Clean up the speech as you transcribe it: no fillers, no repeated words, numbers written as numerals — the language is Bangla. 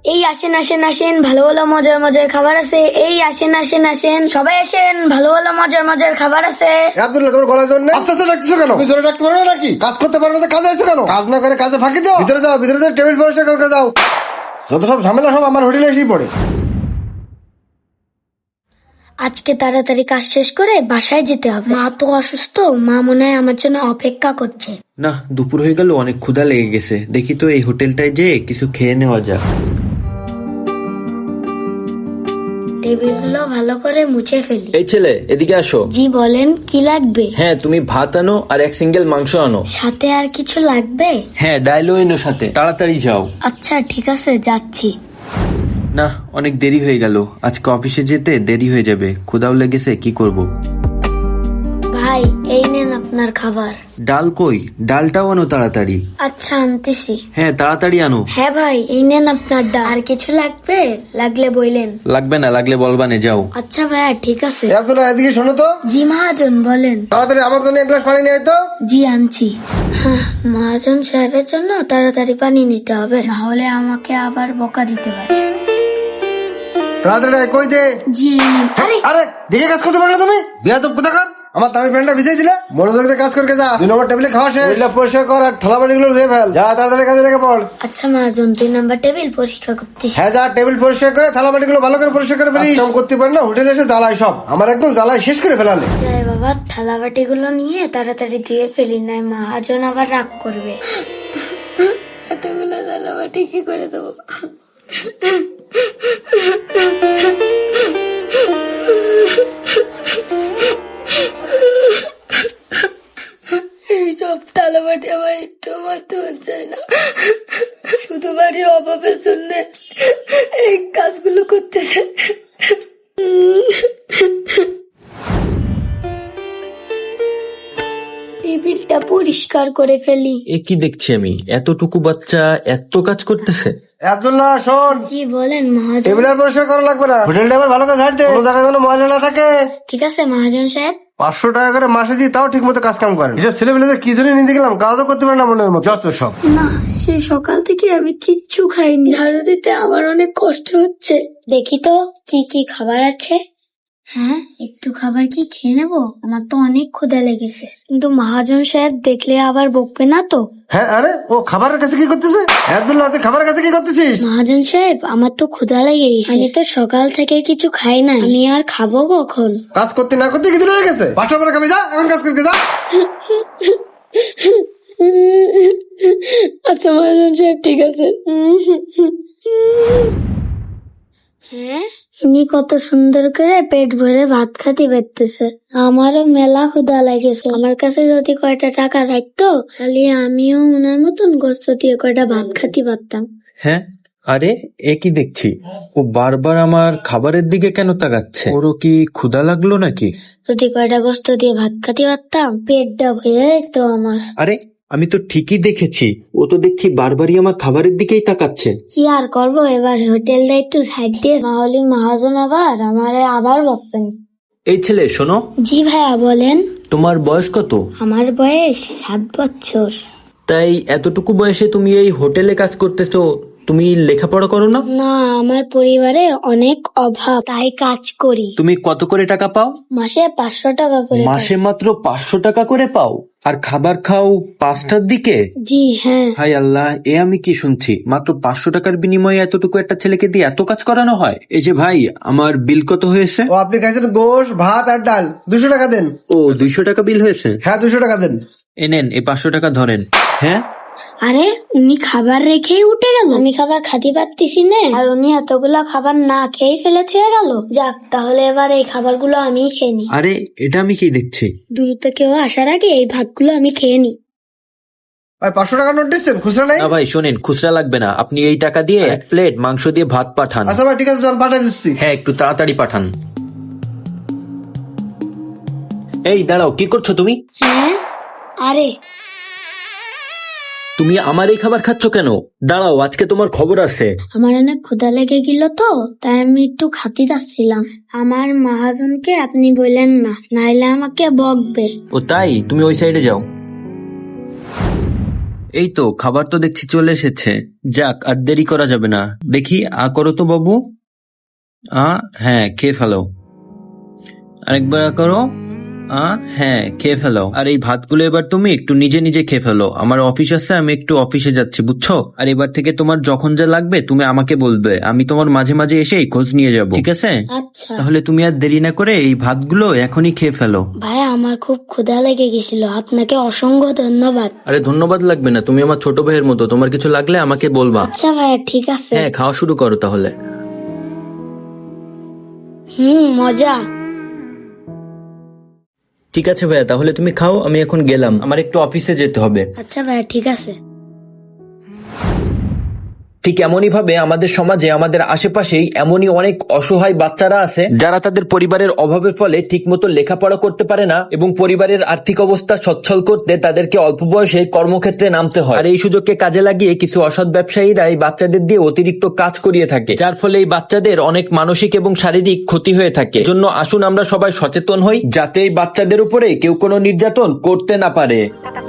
এই আসেন আসেন আসেন, ভালো ভালো মজার মজার খাবার আছে। এই আসেন আসেন আসেন, সবাই আসেন, ভালো ভালো মজার মজার খাবার আছে। আব্দুল্লাহ, তোমার গলার জন্য আস্তে আস্তে ডাকতেছো কেন? তুমি জোরে ডাকতে পারো না নাকি? কাজ করতে পারো না, কাজে আসো কেন? কাজ না করে কাজে ফাঁকি দাও। ভিতরে যাও, ভিতরে যাও, টেবিল পরিষ্কার করে যাও। যত সব ঝামেলা সব আমার হোটেলে এসেই পড়ে। আজকে তাড়াতাড়ি কাজ শেষ করে বাসায় যেতে হবে। মা তো অসুস্থ, মা মনে হয় আমার জন্য অপেক্ষা করছে। না, দুপুর হয়ে গেল, অনেক ক্ষুধা লেগে গেছে। দেখি তো এই হোটেলটায় যেয়ে কিছু খেয়ে নেওয়া যাক। টেবিলগুলো ভালো করে মুছে ফেলি। এই ছেলে, এদিকে আসো। জি বলেন, কি লাগবে? হ্যাঁ, তুমি ভাত আনো আর এক সিঙ্গেল মাংস আনো। সাথে আর কিছু লাগবে? হ্যাঁ, ডাইলও এনো সাথে। তাড়াতাড়ি যাও। আচ্ছা ঠিক আছে, যাচ্ছি। না, অনেক দেরি হয়ে গেল। আজকে অফিসে যেতে দেরি হয়ে যাবে। ক্ষুধাও লেগেছে, কি করব। ভাই এই নেন আপনার খাবার। ডাল কই? ডালটাও আনো তাড়াতাড়ি। আচ্ছা আনতেছি। হ্যাঁ, তাড়াতাড়ি আনো। হ্যাঁ ভাই, এই নেন আপনার ডাল। আর কিছু লাগবে? লাগলে বইলেন। লাগবে না, লাগলে বলবানে, যাও। আচ্ছা ভাইয়া, ঠিক আছে। আব্দুল্লাহ, এদিকে শোনো তো। জি মহাজন, বলেন। তাড়াতাড়ি আমার জন্য এক গ্লাস পানি নিয়ে আয় তো। জি আনছি। মহাজন সাহেবের জন্য তাড়াতাড়ি পানি নিতে হবে, না হলে আমাকে আবার বকা দিতে পারে। তাড়াতাড়ি আয়, কই দে। জি এই নিন। আরে আরে, দেখে কাজ করতে পারো না তুমি? বিয়াদব কোথাকার। আমার দামি প্যান্টটা ভিজাই দিলে। মনোযোগ দিয়ে কাজ করকে যা। 2 নম্বর টেবিলে খাওয়া শেষ। টেবিলটা পরিষ্কার কর আর থালা বাটিগুলো ধুয়ে ফেল। যা, তাড়াতাড়ি কাজে লেগে পড়। আচ্ছা মহাজন, 2 নাম্বার টেবিল পরিষ্কার করতেছি। হ্যাঁ, যা, টেবিল পরিষ্কার করে থালা বাটিগুলো ভালো করে পরিষ্কার করে ফেলিস। কাম করতে পারি না, হোটেলে এসে জ্বালাই সব। আমার একদম জ্বালাই শেষ করে ফেলালে। যাই বাবা, থালা বাটিগুলো নিয়ে তাড়াতাড়ি ধুয়ে ফেলি, নাই মহাজন আবার রাগ করবে। এতগুলো থালা বাটি কি করে দেবো? এইসব থালা বাটি আমার একটু মাজতে হচ্ছে না, শুধু বাড়ির অভাবের জন্য এই কাজগুলো করতেছে। টেবিলটা পরিষ্কার করে ফেলি। এ কি দেখছি আমি? এতটুকু বাচ্চা এত কাজ করতেছে। আব্দুল্লাহ, শোন। জি বলেন মহাজন। টেবিল আর পরিষ্কার করা লাগবে না। হোটেলটা এবার ভালো করে ঝাড় দে, কোনো জায়গায় যেন ময়লা না থাকে। ঠিক আছে মহাজন সাহেব। 500 টাকা করে মাসে দিই, তাও ঠিক মতো কাজ কাম করেন। এসব ছেলেমেয়েদের কি জন্য নিতে গেলাম, কাজও করতে পারে না মনের মতো, যত সব। না, সে সকাল থেকে আমি কিচ্ছু খাইনি, ঝাড়ু দিতে আমার অনেক কষ্ট হচ্ছে। দেখি তো কি কি খাবার আছে। হ্যাঁ, একটু খাবার কি খেয়ে নেবো? আমার তো অনেক ক্ষুধা লেগেছে, কিন্তু মহাজন সাহেব দেখলে আবার বকবে না তো? হ্যাঁ, আরে ও খাবারের কাছে কি করতেছে? আব্দুল্লাহ, তুই খাবারের কাছে কি করতেছিস? মহাজন সাহেব, আমার তো ক্ষুধা লেগে গেছে, আমি তো সকাল থেকে কিছু খাই না, আমি আর খাবো কখন? কাজ করতে না করতে কি লেগে গেছে? 500 টাকা খাবি, যা এখন কাজ করতে যা। আচ্ছা মহাজন সাহেব, ঠিক আছে। হ্যাঁ, ইনি কত সুন্দর করে পেট ভরে ভাত খাতে পারতেছে। আমারও মেলা ক্ষুধা লেগেছে। আমার কাছে যদি কয়টা টাকা থাকতো, তাহলে আমিও ওনার মতন গোস্ত দিয়ে কয়টা ভাত খাতে পারতাম। হ্যাঁ, আরে এ কি দেখছি? ও বারবার আমার খাবারের দিকে কেন তাকাচ্ছে? ওরও কি ক্ষুধা লাগলো নাকি? যদি কয়টা গোস্ত দিয়ে ভাত খাতে পারতাম, পেটটা ভরে যেত আমার। আরে, আমি তো ঠিকই দেখেছি। ও তো দেখছি বারবারই আমার খাবারের দিকেই তাকাচ্ছে। কি আর করবো, এবার হোটেলটা একটু সাইড দিয়ে, নাহলে মহাজন আবার আমারে আবার বকবেন। এই ছেলে, শোনো। জি ভাইয়া বলেন। তোমার বয়স কত? আমার বয়স 7 বছর। তাই এতটুকু বয়সে তুমি এই হোটেলে কাজ করতেছো? তুমি লেখাপড়া করো না? না, আমার পরিবারে অনেক অভাব, তাই কাজ করি। তুমি কত করে টাকা পাও? মাসে 500 টাকা করে পাই। মাসে মাত্র 500 টাকা করে পাও? আর খাবার খাও 5টার দিকে? জি হ্যাঁ। হাই আল্লাহ, এ আমি কি শুনছি? মাত্র 500 টাকার বিনিময়ে এতটুকু একটা ছেলেকে দিয়ে এত কাজ করানো হয়? এই যে ভাই, আমার বিল কত হয়েছে? ও, আপনি খাইছেন গোশ, ভাত আর ডাল। 200 টাকা দেন। ও, 200 টাকা বিল হয়েছে? হ্যাঁ, 200 টাকা দেন। এ নেন, এই 500 টাকা ধরেন। হ্যাঁ, আরে উনি খাবার রেখেই উঠে গেল, আমি খাবার খাতে পারতেছি না, আর উনি এতগুলা খাবার না খেয়ে ফেলে থুয়ে গেল। যাক, তাহলে এবার এই খাবারগুলো আমি খেয়ে নি। আরে এটা আমি কি দেখছি? দূর কেউ আসার আগে এই ভাতগুলো আমি খেয়ে নি। ভাই, 500 টাকা নোট দিচ্ছেন, খুচরা নাই? না ভাই, শোনেন, খুচরা লাগবে না। আপনি এই টাকা দিয়ে 1 প্লেট মাংস দিয়ে ভাত পাঠান। আচ্ছা ভাই, ঠিক আছে, চল পাঠিয়ে দিচ্ছি। হ্যাঁ, একটু তাড়াতাড়ি পাঠান। এই দাঁড়াও, কি করছো তুমি? হ্যাঁ, আরে তুমি আমার এই খাবার খাচ্ছ কেন? দাঁড়াও, আজকে তোমার খবর আছে। আমার অনেক ক্ষুধা লেগে গেল তো, তাই আমি একটু খাতে যাচ্ছিলাম। আমার মহাজনকে আপনি বললেন না, নাইলে আমাকে বকবে। ও তাই? তুমি ওই সাইডে যাও। এই তো খাবার তো দেখছি চলে এসেছে। যাক, আর দেরি করা যাবে না। দেখি করো তো বাবু। হ্যাঁ, খেয়ে ফেলো। আরেকবার করো। হ্যাঁ, খেয়ে ফেলো। আর এই ভাতগুলো এবার তুমি একটু নিজে নিজে খেয়ে ফেলো। আমার অফিস আছে, আমি একটু অফিসে যাচ্ছি, বুঝছো? আর এবার থেকে তোমার যখন যা লাগবে তুমি আমাকে বলবে, আমি তোমার মাঝে মাঝে এসে খোঁজ নিয়ে যাব, ঠিক আছে? আচ্ছা তাহলে তুমি আর দেরি না করে এই ভাতগুলো এখনই খেয়ে ফেলো। ভাই, আমার খুব ক্ষুধা লেগে গেছিল, আপনাকে অসংখ্য ধন্যবাদ। আরে ধন্যবাদ লাগবে না, তুমি আমার ছোট ভাইয়ের মতো, তোমার কিছু লাগলে আমাকে বলবা। আচ্ছা ভাইয়া, ঠিক আছে। হ্যাঁ, খাওয়া শুরু করো তাহলে। মজা। ঠিক আছে ভাইয়া, তাহলে তুমি খাও, আমি এখন গেলাম, আমার একটু অফিসে যেতে হবে। আচ্ছা ভাইয়া, ঠিক আছে। ঠিক এমনই ভাবে আমাদের সমাজে, আমাদের আশেপাশেই এমনই অনেক অসহায় বাচ্চারা আছে যারা তাদের পরিবারের অভাবের ফলে ঠিকমতো লেখাপড়া করতে পারে না এবং পরিবারের আর্থিক অবস্থা সচ্ছল করতে তাদেরকে অল্প বয়সে কর্মক্ষেত্রে নামতে হয়। আর এই সুযোগকে কাজে লাগিয়ে কিছু অসৎ ব্যবসায়ীরা এই বাচ্চাদের দিয়ে অতিরিক্ত কাজ করিয়ে থাকে, যার ফলে এই বাচ্চাদের অনেক মানসিক এবং শারীরিক ক্ষতি হয়ে থাকে। জন্য আসুন আমরা সবাই সচেতন হই, যাতে এই বাচ্চাদের উপরে কেউ কোনো নির্যাতন করতে না পারে।